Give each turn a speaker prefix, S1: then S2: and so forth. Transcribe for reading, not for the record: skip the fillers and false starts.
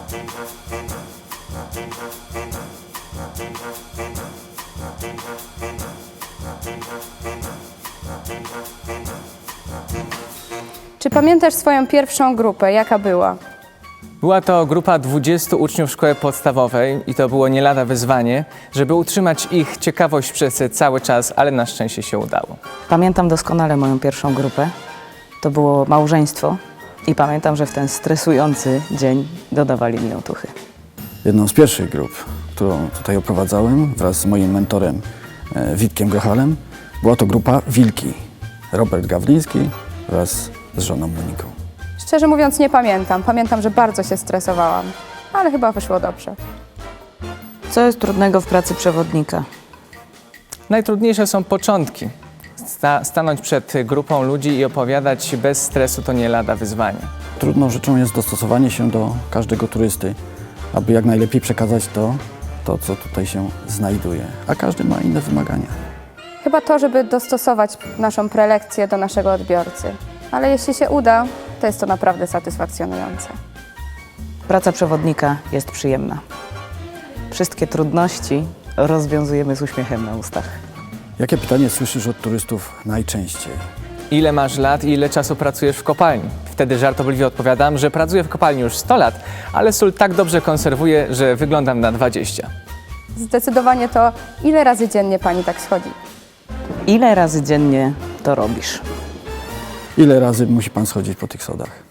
S1: Czy pamiętasz swoją pierwszą grupę? Jaka była?
S2: Była to grupa 20 uczniów szkoły podstawowej i to było nie lada wyzwanie, żeby utrzymać ich ciekawość przez cały czas, ale na szczęście się udało.
S3: Pamiętam doskonale moją pierwszą grupę. To było małżeństwo i pamiętam, że w ten stresujący dzień dodawali mi otuchy.
S4: Jedną z pierwszych grup, którą tutaj oprowadzałem wraz z moim mentorem Witkiem Grochalem, była to grupa Wilki. Robert Gawliński wraz z żoną Moniką.
S1: Szczerze mówiąc nie pamiętam. Pamiętam, że bardzo się stresowałam, ale chyba wyszło dobrze.
S3: Co jest trudnego w pracy przewodnika?
S2: Najtrudniejsze są początki. Stanąć przed grupą ludzi i opowiadać bez stresu to nie lada wyzwanie.
S4: Trudną rzeczą jest dostosowanie się do każdego turysty, aby jak najlepiej przekazać to, co tutaj się znajduje, a każdy ma inne wymagania.
S1: Chyba to, żeby dostosować naszą prelekcję do naszego odbiorcy. Ale jeśli się uda, to jest to naprawdę satysfakcjonujące.
S3: Praca przewodnika jest przyjemna. Wszystkie trudności rozwiązujemy z uśmiechem na ustach.
S4: Jakie pytanie słyszysz od turystów najczęściej?
S2: Ile masz lat i ile czasu pracujesz w kopalni? Wtedy żartobliwie odpowiadam, że pracuję w kopalni już 100 lat, ale sól tak dobrze konserwuję, że wyglądam na 20.
S1: Zdecydowanie to, ile razy dziennie pani tak schodzi?
S3: Ile razy dziennie to robisz?
S4: Ile razy musi pan schodzić po tych schodach?